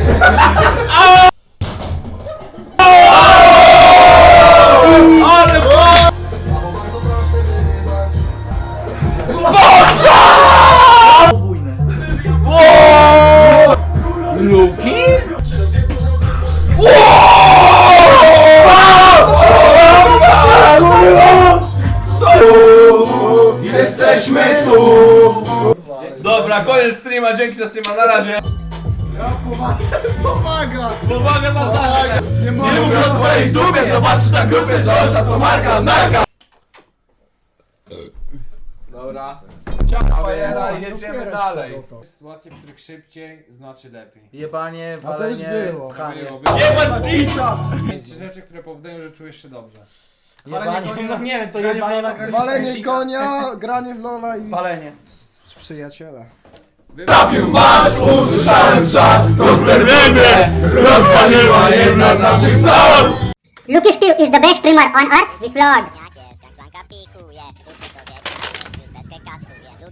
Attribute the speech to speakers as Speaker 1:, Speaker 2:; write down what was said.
Speaker 1: Ale Luki?
Speaker 2: Jesteśmy tu!
Speaker 1: Dobra, koniec streama, dzięki za streama, na razie.
Speaker 2: Pomaga!
Speaker 1: Uwaga na czasie.
Speaker 2: Nie
Speaker 1: Nie mówię o twojej dupie, zobaczysz na grupie, że Olsza to marka, narka. Dobra. Ciao, bajera i jedziemy dalej.
Speaker 3: Sytuacje, w których szybciej znaczy lepiej.
Speaker 4: Jebanie,
Speaker 2: A to już
Speaker 4: walenie,
Speaker 2: było.
Speaker 4: pchanie.
Speaker 1: Jebać disa!
Speaker 3: Więc 3 rzeczy, które powodują, że czujesz się dobrze.
Speaker 4: Jebanie, no nie wiem, to
Speaker 1: Granie
Speaker 4: jebanie
Speaker 1: w Lola,
Speaker 4: na
Speaker 2: Walenie konia, granie w Lola i...
Speaker 4: Palenie.
Speaker 2: Przyjaciele.
Speaker 1: Trafił w masz, usłyszałem trzask, rozderwiemy, rozwaliła jedna z naszych sal.
Speaker 5: Luki Steel is the best streamer on earth, this lord.